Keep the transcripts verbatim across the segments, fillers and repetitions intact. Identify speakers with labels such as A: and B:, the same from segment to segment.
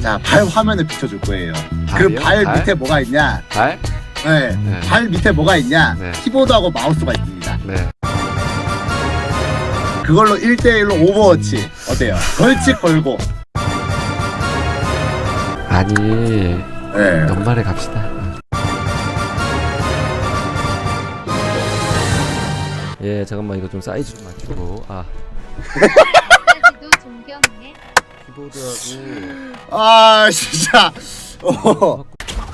A: 자, 발 화면을 비춰줄 거예요. 그
B: 발이요?
A: 발
B: 발?
A: 밑에 뭐가 있냐?
B: 발?
A: 네.
B: 네.
A: 발 밑에 뭐가 있냐?
B: 네.
A: 키보드하고 마우스가 있습니다.
B: 네.
A: 그걸로 일 대 일로 오버워치 어때요? 걸치 걸고.
B: 아니
A: 네.
B: 연말에 갑시다. 예, 잠깐만 이거 좀 사이즈 좀 맞추고. 아,
C: 까지도 존경해.
B: 키보드하고.
A: 아 진짜. 어.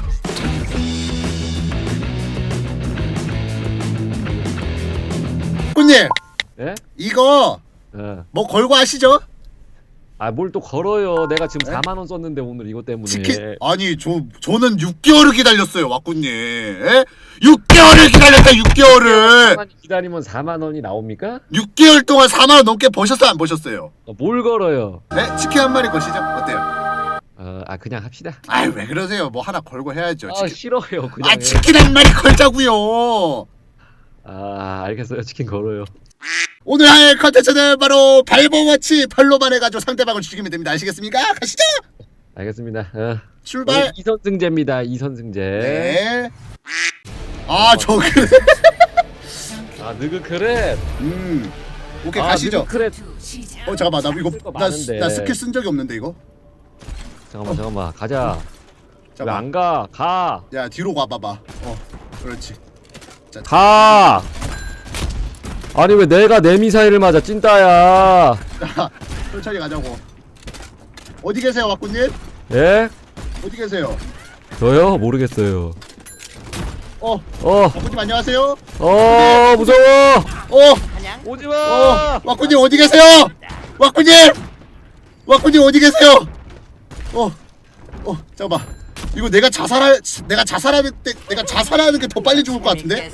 A: 군님
B: 예?
A: 이거
B: 예.
A: 뭐 걸고 하시죠?
B: 아, 뭘 또 걸어요. 내가 지금
A: 네?
B: 사만 원 썼는데 오늘 이것 때문에.
A: 치킨 아니 저 저는 육 개월을 기다렸어요 왁구님. 에? 육 개월을 기다렸다 육 개월을.
B: 사만 기다리면 사만 원이 나옵니까?
A: 육 개월 동안 사만 원 넘게 버셨어요 안 버셨어요?
B: 어, 뭘 걸어요?
A: 네? 치킨 한 마리 거시죠? 어때요?
B: 어, 아 그냥 합시다.
A: 아이 왜 그러세요? 뭐 하나 걸고 해야죠.
B: 아,
A: 치킨.
B: 싫어요. 그냥.
A: 아
B: 해.
A: 치킨 한 마리 걸자고요.
B: 아, 알겠어요. 치킨 걸어요.
A: 오늘 할 컨텐츠는 바로 발버워치 발로만 해가지고 상대방을 죽이면 됩니다. 아시겠습니까? 가시죠.
B: 알겠습니다. 어.
A: 출발.
B: 이선승제입니다. 이선승제.
A: 네. 아 저그.
B: 아, 느그크랩.
A: 음. 오케이
B: 아,
A: 가시죠.
B: 느그크랩.
A: 어 잠깐만 나 이거
B: 쓸거
A: 나,
B: 많은데.
A: 나 스킬 쓴 적이 없는데 이거.
B: 잠깐만, 잠깐만. 가자. 왜
A: 잠깐.
B: 안 가? 가.
A: 야 뒤로 가봐봐. 어 그렇지.
B: 가. 아니 왜 내가 내 미사일을 맞아 찐따야.
A: 자 천천히 가자고. 어디 계세요 왁구님?
B: 예?
A: 어디 계세요?
B: 저요? 모르겠어요.
A: 어
B: 어,
A: 왁구님 안녕하세요.
B: 어, 무서워.
A: 어
B: 오지마.
A: 어, 왁구님 어디 계세요? 왁구님! 왁구님 어디 계세요? 어, 어, 잠깐만. 이거 내가 자살할, 내가 자살하는 때, 내가 자살하는 게 더 빨리 죽을 것 같은데?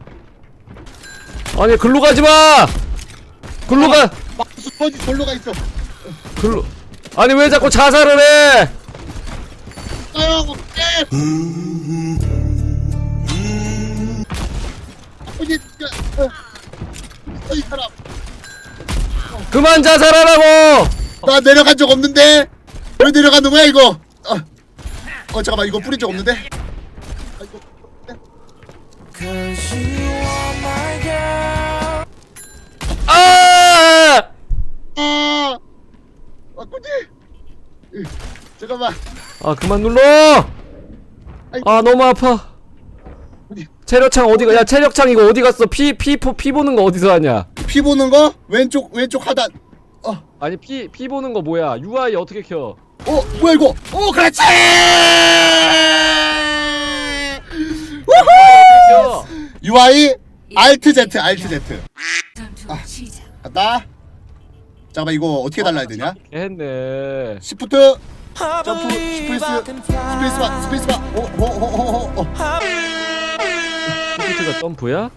B: 아니 글로 가지 마. 글로 가.
A: 막 수퍼지 돌로 가 있어.
B: 글로. 아니 왜 자꾸 자살을 해?
A: 아유, 왁구님! 왁구님, 어, 어, 이 사람.
B: 그만 자살하라고.
A: 나 내려간 적 없는데? 왜 내려가는 거야, 이거? 어, 어 잠깐만, 이거 뿌린 적 없는데? 아, 이거,
B: 아!
A: 아! 왁구님! 으, 잠깐만.
B: 아 그만 눌러.
A: 아이고.
B: 아 너무 아파.
A: 어디?
B: 체력창 어디가? 야 체력창 이거 어디 갔어? 피 피 피 보는 거 어디서 하냐?
A: 피 보는 거? 왼쪽 왼쪽 하단. 어,
B: 아니 피 피 보는 거 뭐야? 유아이 어떻게 켜?
A: 어, 뭐야 이거? 오, 그렇지!
B: 켜.
A: 유아이 Alt Z, Alt Z. 아, 갔다. 잠깐만 이거 어떻게 달라야 되냐?
B: 했네.
A: 시프트, 점프, 스페이스, 스페이스바, 스페이스바. 오, 오, 오, 오, 오, 오.
B: 스피트가 점프야?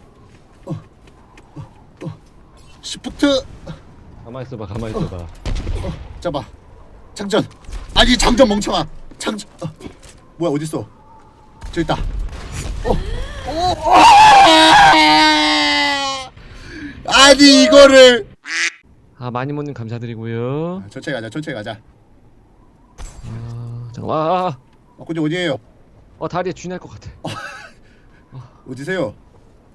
A: 시프트.
B: 가만 있어봐, 가만 있어봐.
A: 잠깐만. 장전. 아니 장전 멍청아. 장전. 어. 뭐야 어디 있어? 저기 있다. 어. 오. 아! 아니 이거를.
B: 아 마니모님 감사드리고요.
A: 천천히 가자. 천천히 가자.
B: 아, 잠깐만. 아, 아.
A: 어, 근데 어디에요?
B: 어 다리에 쥐 날 것 같아.
A: 어디세요?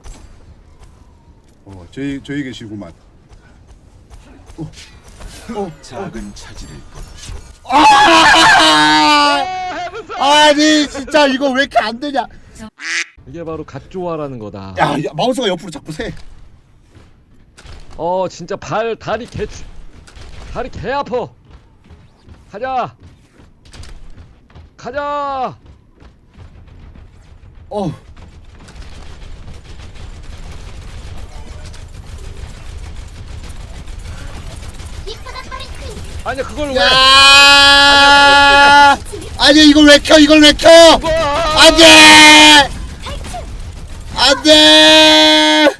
A: 어, 저희 저희 계시구만. 어. 어.
D: 작은 차지를
A: 아! 아니 진짜 이거 왜 이렇게 안 되냐?
B: 이게 바로 갓조화라는 거다.
A: 야, 야 마우스가 옆으로 자꾸 새.
B: 어 진짜 발 다리 개 주- 다리 개 아파. 가자. 가자.
A: 어.
B: 아니 그걸 왜?
A: 야! 아니 이걸 왜 켜? 이걸 왜 켜? 안돼! 안돼!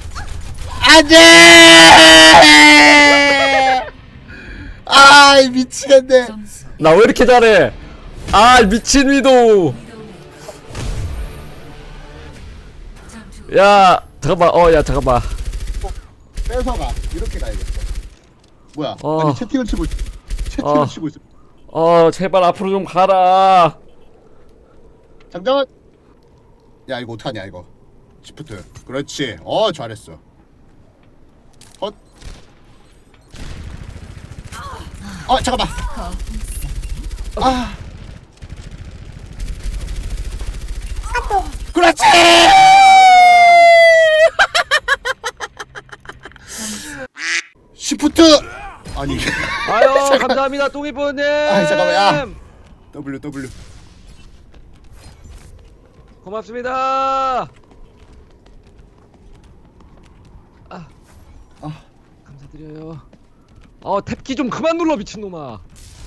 A: 안돼! 아 미치겠네.
B: 나 왜 이렇게 잘해? 아 미친 위도. 야 잠깐만. 어 야 잠깐만.
A: 뺏어가. 이렇게 가야겠어. 뭐야?
B: 어.
A: 아니 채팅을 치고 있... 채팅을
B: 어.
A: 치고 있어.
B: 어 제발 앞으로 좀 가라.
A: 장전. 야 이거 어떡하냐 이거. 시프트. 그렇지. 어 잘했어. 헛. 어 잠깐만. 아. 그렇지. 시프트. 아니.
B: 아유 감사합니다 똥이뽀님.
A: 아 잠깐만 야. W W.
B: 고맙습니다. 아,
A: 아.
B: 감사드려요. 어 탭키 좀 그만 눌러 미친놈아.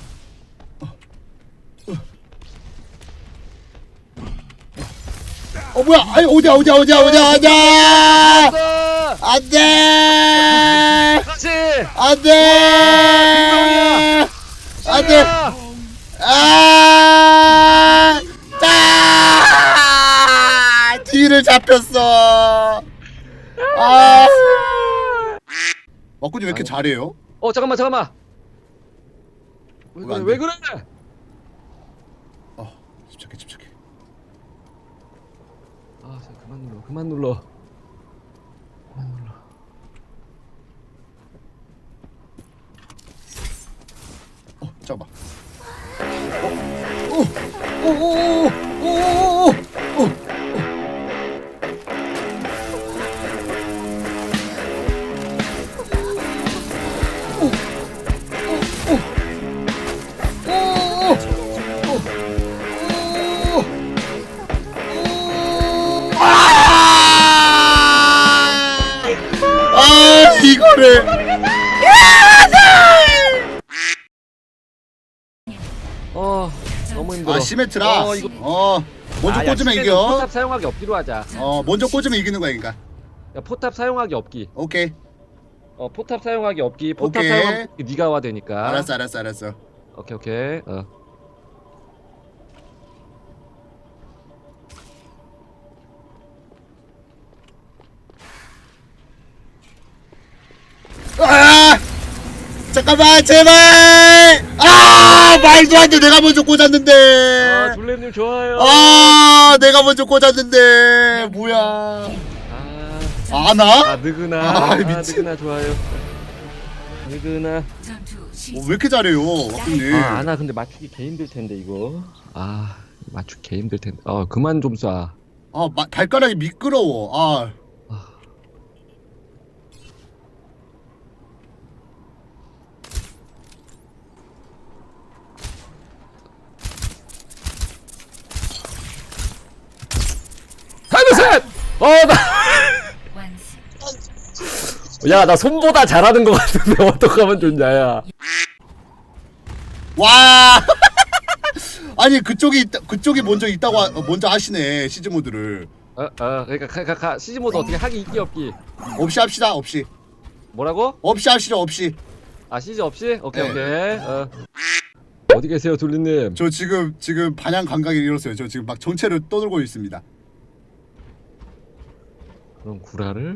A: 어 뭐야? 아니 어디야 어디야 어디야 어디야 어디야?
B: 됐어.
A: 안돼.
B: 그렇지.
A: 안돼. 안돼.
B: 야.
A: 아! 아! 뒤를 잡혔어. 아! 막군이 왜 이렇게 잘해요?
B: 어 잠깐만 잠깐만. 왜
A: 왜안
B: 그래?
A: 돼?
B: 왜 그래?
A: 어, 집착해 집착해.
B: 아, 자, 그만 눌러. 그만 눌러. 그만 눌러.
A: 어, 잠깐만. 어, 오, 오, 오, 오, 오, 오, 오. 아 이거를
B: 어, 너무 힘들어.
A: 아 시메트라
B: 어, 이거
A: 어 먼저
B: 아, 야,
A: 꽂으면
B: 시계는
A: 이겨
B: 포탑 사용하기 없기로 하자.
A: 어 먼저 꽂으면 이기는 거야 그러니까
B: 야, 포탑 사용하기 없기.
A: 오케이
B: 어, 포탑 사용하기 없기. 포탑
A: 오케이.
B: 사용하면 네가 와 되니까.
A: 알았어 알았어 알았어
B: 오케이, 오케이. 어.
A: 아 잠깐만 제발 아 말도 안 돼 내가 먼저 꽂았는데
B: 아, 둘레님 좋아요.
A: 아 내가 먼저 꽂았는데 뭐야
B: 아,
A: 아나?
B: 아 느그나.
A: 아,
B: 아,
A: 미친.
B: 느그나 좋아요. 느그나.
A: 어, 왜 이렇게 잘해요 와꾸님
B: 아, 아나 근데 맞추기 개 힘들 텐데 이거. 아, 맞추기 개 힘들 텐데. 어, 그만 좀 쏴.
A: 아 마, 발가락이 미끄러워 아
B: 하늘셋! 어, 나. 야, 나 손보다 잘하는 것 같은데 어떡하면 좋냐, 야.
A: 와 아니 그쪽이 있다, 그쪽이 먼저 있다고 하, 어, 먼저 하시네 시즈 모드를
B: 어, 어, 그러니까 가, 가, 가, 시즈 모드 어떻게 하기 있기 없기.
A: 없이 합시다 없이
B: 뭐라고?
A: 없이 하시죠 없이
B: 아, 시즈 없이? 오케이,
A: 네.
B: 오케이. 어. 어디 계세요, 둘리님?
A: 저 지금 지금 반향 감각이 잃었어요 저 지금 막 정체를 떠돌고 있습니다
B: 그럼 구라를?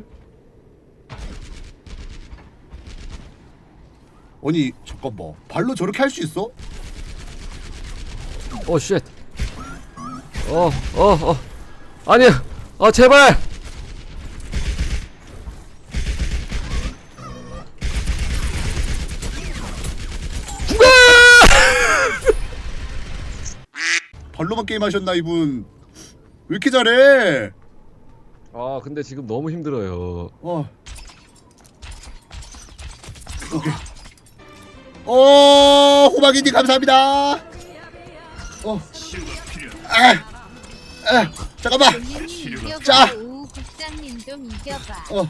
A: 아니 잠깐만 발로 저렇게 할 수 있어?
B: 오, 쉣. 어, 어, 어. 아니야. 어, 제발. 죽어!
A: 발로만 게임하셨나 이분 왜 이렇게 잘해
B: 아, 근데 지금 너무 힘들어요.
A: 어 오케이 어 호박이님 감사합니다 어 아, 아, 잠깐만
C: 본인이 이겨봐.
A: 자.
C: 오 국장님 좀 이겨봐.
A: 어.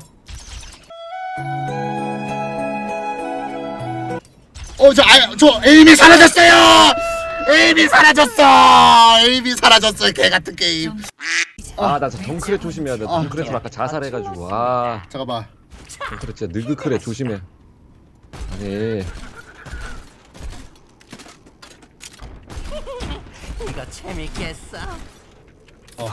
A: 어, 저, 아, 저 에임이 사라졌어요. 에임이 사라졌어. 에임이 사라졌어. 개 같은 게임.
B: 아, 나 저 덩크렛 조심해야 돼.
A: 아.
B: 덩크렛으로 아까 자살해가지고. 아,
A: 잠깐만.
B: 덩크렛 진짜 느그크렛 조심해. 아니.
D: 이거 재밌겠어.
A: 어.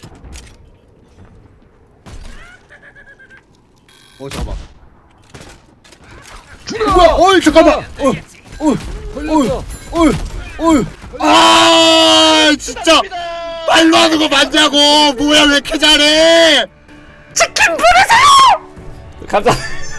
A: 어, 잠깐만.
B: 죽어!
A: 뭐야? 어이, 잠깐만. 어, 어,
B: 걸렸어.
A: 어, 어. 어휴. 아 진짜 말로 하는 거 맞냐고. 뭐야 왜 이렇게 잘해.
B: 감사.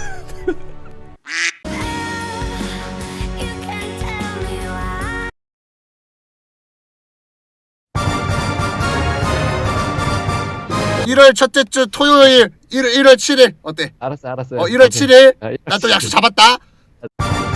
A: 일월 첫째 주 토요일 일월 칠일 어때?
B: 알았어 알았어.
A: 어 일월 칠일
B: 아,
A: 나 또 약속 잡았다.